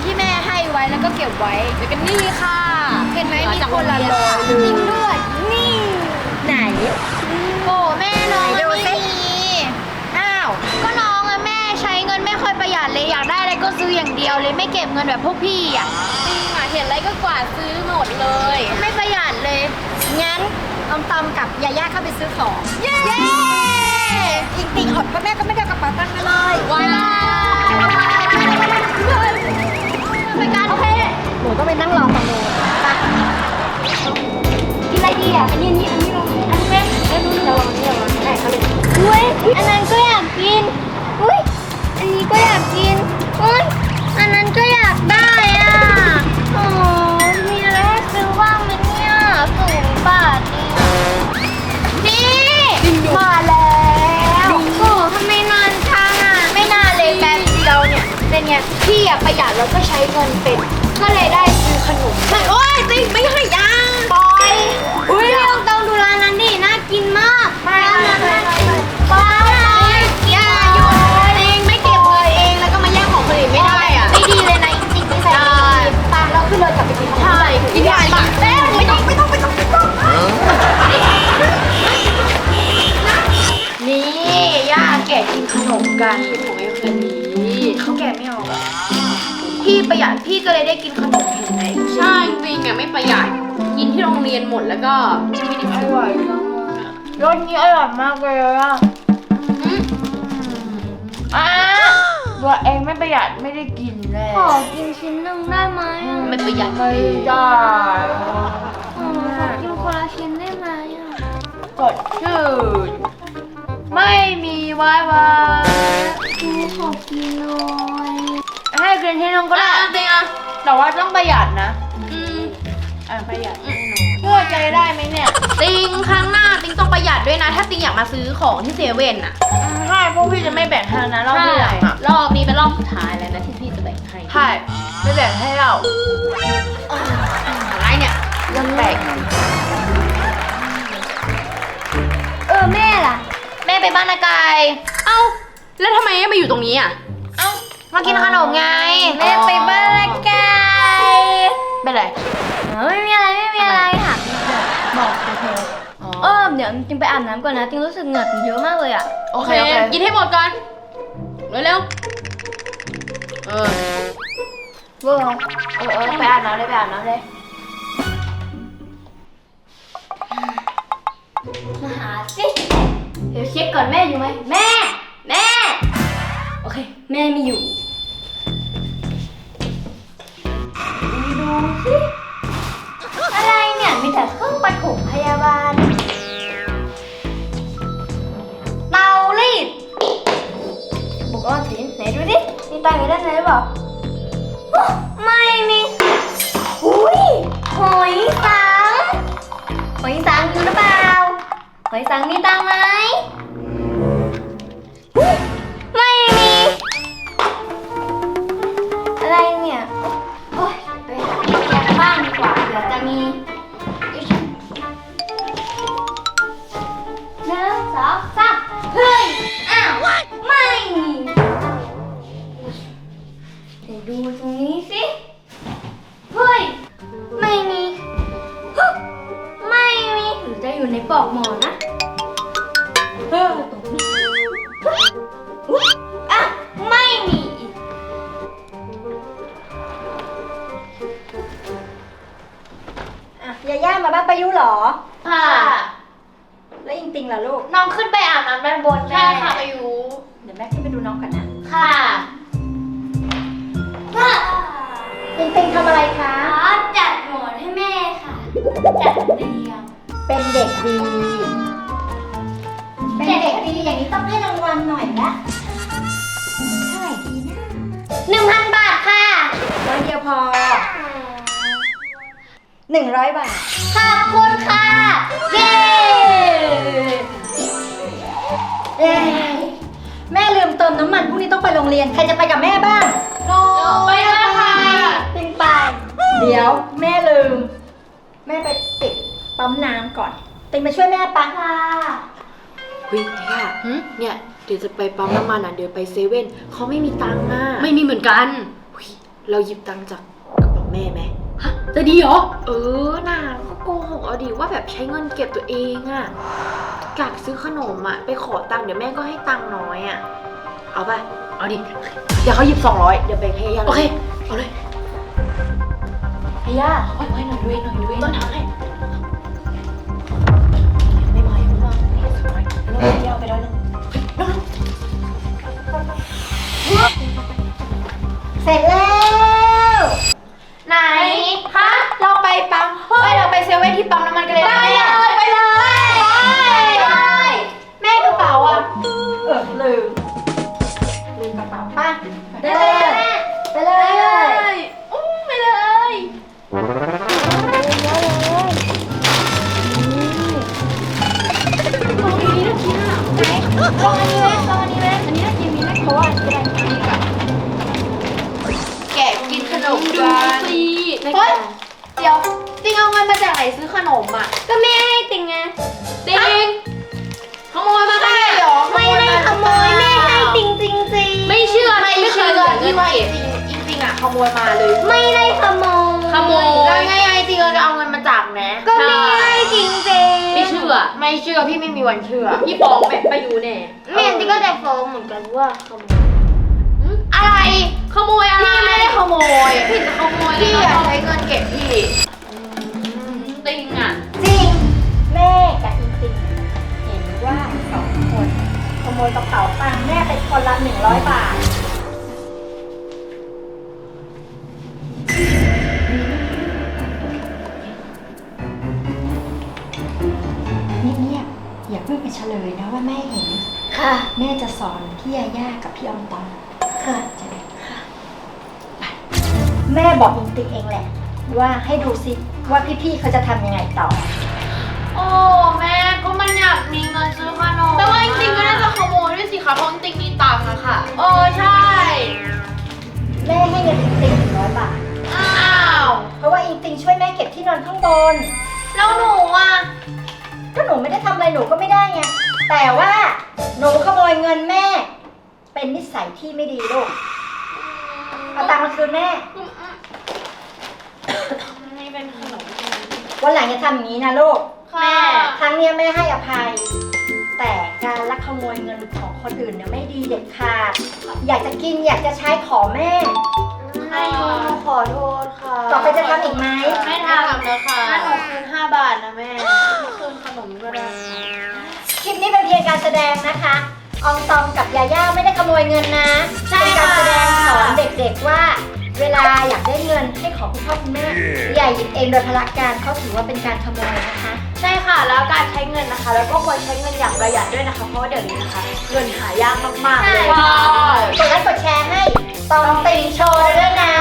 ที่แม่ให้ไว้แล้วก็เก็บไว้แล้วก็นี่ค่ะเห็นไหมมีคนละร้อยจริงด้วยนี่ไหนโอ้แม่น้องไม่มีอ้าวก็น้องอะแม่ใช้เงินไม่ค่อยประหยัดเลยอยากได้อะไรก็ซื้ออย่างเดียวเลยไม่เก็บเงินแบบพวกพี่อ่ะจริงอ่ะเห็นอะไรก็กวาดซื้อหมดเลยไม่ประหยัดเลยงั้นตอมกับยาย่าเข้าไปซื้อของเย้อิงติงอดเพราะแม่ก็ไม่ได้กระเป๋าตังค์มาเลยว้าวไปกันโอเคหนูต้องไปนั่งรอฝั่งโน้นไปกินอะไรดีอ่ะอันนี้ลองอันนี้แม่แล้วดูเราลองได้เขาเลยอุ้ยอันนั้นก็อยากกินอุ้ยอันนี้ก็อยากกินอุ้ยอันนั้นก็อยากได้อ่ะโอ้มีอะไรให้ซื้อบ้างไหมเนี่ย0 บาทนี่มาแล้วโอ้ทำไมนานจังอ่ะไม่นานเลยแป๊บเดียวเนี่ยเป็นไงพี่อะประหยัดแล้วก็ใช้เงินเป็นก็เลยได้ซื้อขนมโอ้ยติ๊กไม่ให้ยังปอยอุ้ยเราต้องดูร้านนั้นดิน่ากินมากไปปอยอย่าหยุดเองไม่เก็บเงินเองแล้วก็มาแย่งของคนอื่นไม่ได้อ่ะไม่ดีเลยนะจริงๆไม่ใส่ตามเราขึ้นรถกลับไปกินข้าวกินได้ปะแล้วไม่ต้องนี่ย่าแกะกินขนมกันของไอ้คนนี้เขาแกะไม่ออกพี่ประหยัดพี่ก็เลยได้กินขนมเห็นไหมใช่จริงอ่ะไม่ประหยัดกินที่โรงเรียนหมดแล้วก็ไม่ได้ซื้อรสนี้อร่อยมากเลยอ่ะตัวเองไม่ประหยัดไม่ได้กินเลยขอกินชิ้นหนึ่งได้ไหมไม่ประหยัดไม่ได้ขอกินคนละชิ้นได้ไหมสดชื่นไม่มีวายขอกินหน่อยให้กินที่นึงก็ได้จริงอ่ะแต่ว่าต้องประหยัดนะประหยัดแน่นอนช่วยใจได้ไหมเนี่ยติงครั้งหน้าติงต้องประหยัดด้วยนะถ้าติงอยากมาซื้อของที่เซเว่นอ่ะใช่พวกพี่จะไม่แบ่งให้นะรอบที่หลังรอบนี้เป็นรอบสุดท้ายแล้วนะที่พี่จะแบ่งให้ใช่ไม่แบ่งให้เราอะไรเนี่ยยังแบ่งแม่ล่ะแม่ไปบ้านนากายเอ้าแล้วทำไมมาอยู่ตรงนี้อ่ะเอ้ามากินขนมไงแม่ไปบ้านนากายเป็นไรไม่มีอะไรค่ะบอกเธอเดี๋ยวจริงไปอาบน้ำก่อนนะจริงรู้สึกเหงื่อเยอะมากเลยอ่ะโอเคกินให้หมดก่อนเร็วๆไปอาบน้ำเลยมาหาสิเดี๋ยวเช็คก่อนแม่อยู่ไหมแม่โอเคแม่ไม่อยู่ดูสิอะไรเนี่ยมีแต่เครื่องปฐมพยาบาลเตารีดบุกออนสิไหนดูดิมีตังค์อยู่ด้านในหรือเปล่าไม่มีอุ้ยหอยสังอยู่หรือเปล่าหอยสังมีตังค์ไหมไม่มีอะไรเนี่ยโอ๊ยไปหาแกงบ้างดีกว่าเดี๋ยวจะมี1 2 3เฮ้ยอ้าวไม่มีเดี๋ยวดูตรงนี้สิเฮ้ยไม่มีหรือจะอยู่ในปลอกหมอนนะตรงนี้ไม่มีอีกยาย่ามาบ้านประยุเหรอค่ะแล้วอิงติงล่ะลูกน้องขึ้นไปอาบน้ำด้านบนแม่ค่ะอายุเดี๋ยวแม่ขึ้นไปดูน้องก่อนนะค่ะอิงติงทำอะไรคะจัดหมอนให้แม่ค่ะจัดเตียงเป็นเด็กดีอย่างนี้ต้องให้รางวัลหน่อยละเท่าไหร่ดีนะ 1,000 บาทค่ะ 100 เดียวพอ100 บาทขอบคุณค่ะเย้แม่ลืมเติมน้ำมันพรุ่งนี้ต้องไปโรงเรียนใครจะไปกับแม่บ้างไปค่ะติงไปเดี๋ยวแม่ลืมแม่ไปปิดปั๊มน้ำก่อนติงไปช่วยแม่ปะค่ะเฮ้ยย่าเนี่ยเดี๋ยวจะไปปั๊มน้ำมันอ่ะเดี๋ยวไปเซเว่นเขาไม่มีตังค์อ่ะไม่มีเหมือนกันเราหยิบตังค์จากกระเป๋าแม่ไหมฮะจะดีเหรอน่าก็โกหกเอาดิว่าแบบใช้เงินเก็บตัวเองอะอยากซื้อขนมอะไปขอตังค์เดี๋ยวแม่ก็ให้ตังค์น้อยอะเอาไปเอาดิเดี๋ยวเขาหยิบ200เดี๋ยวแบ่งให้ย่าโอเคเอาเลยพี่ย่าไว้หน่อยด้วยต้นทางให้ไม่มายังไม่มาแล้วพี่ย่าไปแล้วนึงเสร็จแล้วไหนคะเราไปปั๊มเราไปเซเว่นที่ปั๊มน้ำมันกันเลยนะไปเลยแม่กระเป๋าอ่ะลืมกระเป๋าป้าไปเลยไปเลยไปเลยลองอันนี้ไหมลองอันนี้ไหมอันนี้น่ากินมีไหมเพราะว่าจะได้กินกับแกะกินขนมกันสิเฮ้ยเดี๋ยวติงเอาเงินมาจากไหนซื้อขนมอ่ะก็แม่ให้ติงไงติงขโมยมาได้เหรอไม่ได้ขโมยแม่ให้ติงจริงไม่เชื่อไม่ไม่เคเชื่ยอเหลือเงิที่นว่าเก็บจริงอ่ะขโมยมาเลยไม่ได้ขโมยขโมยแล้วไงจริงเราจะเอาเงินมาจากไหนก็แม่ให้จริงไม่เชื่อพี่ไม่มีวันเชื่อพี่ฟ้องแม่ไปอยู่แน่แม่ติงก็จะฟ้องเหมือนกันว่าขโมยอะไรขโมยอะไรพี่ไม่ได้ขโมยพี่จะขโมยพี่อยากใช้เงินเก็บพี่ติงอ่ะจริง แม่กับอิงติงเห็นว่า2 คนขโมยกระเป๋าตังค์แม่ไปคนละ100 บาท เงียบๆอย่าเพิ่งไปเฉลยนะว่าแม่เห็นค่ะแม่จะสอนพี่ยาย่ากับพี่ออมตองค่ะจะได้ค่ะไปแม่บอกอิงติงเองแหละ ว่าให้ดูซิว่าพี่ๆเขาจะทำยังไงต่อโอ้แม่ก็มันอยากมีเงินซื้อขนมแต่ว่าจริงๆก็น่าจะขโมยด้วยสิคะเพราะจริงๆมีตังค์อะค่ะใช่แม่ให้เงินอิงติง100 บาทอ้าวเพราะว่าอิงติงช่วยแม่เก็บที่นอนข้างบนแล้วหนูอ่ะก็หนูไม่ได้ทำอะไรหนูก็ไม่ได้ไง แต่ว่าหนูขโมยเงินแม่ เป็นนิสัยที่ไม่ดีลูก เอาตังค์มาคืนแม่นี่เป็นขนมวันหลังอย่าทำอย่างนี้นะลูกแม่ครั้งเนี้ยแม่ให้อภัย แต่การลักขโมยเงินของคนอื่นเนี่ยไม่ดีเด็ดขาด อยากจะกินอยากจะใช้ขอแม่ไม่ขอโทษค่ะต่อไปจะทำอีกไหมไม่ทำแล้วค่ะถ้าหนูคืน5 บาทนะแม่คืนขนมก็ได้คลิปนี้เป็นเพียงการแสดงนะคะ อองตองกับยาย่าไม่ได้ขโมยเงินนะเป็นการแสดงสอนเด็กๆว่า เวลาอยากได้เงินให้ขอคุณพ่อคุณแม่อย่าหยิบเองโดยพละการเขาถือว่าเป็นการขโมยนะคะใช่ค่ะแล้วการใช้เงินนะคะ แล้วก็ควรใช้เงินอย่างประหยัดด้วยนะคะ เพราะว่าเดี๋ยวนี้นะคะ เงินหายากมากๆเลยกดไลค์กดแชร์ให้ตองติงโชว์ด้วยนะ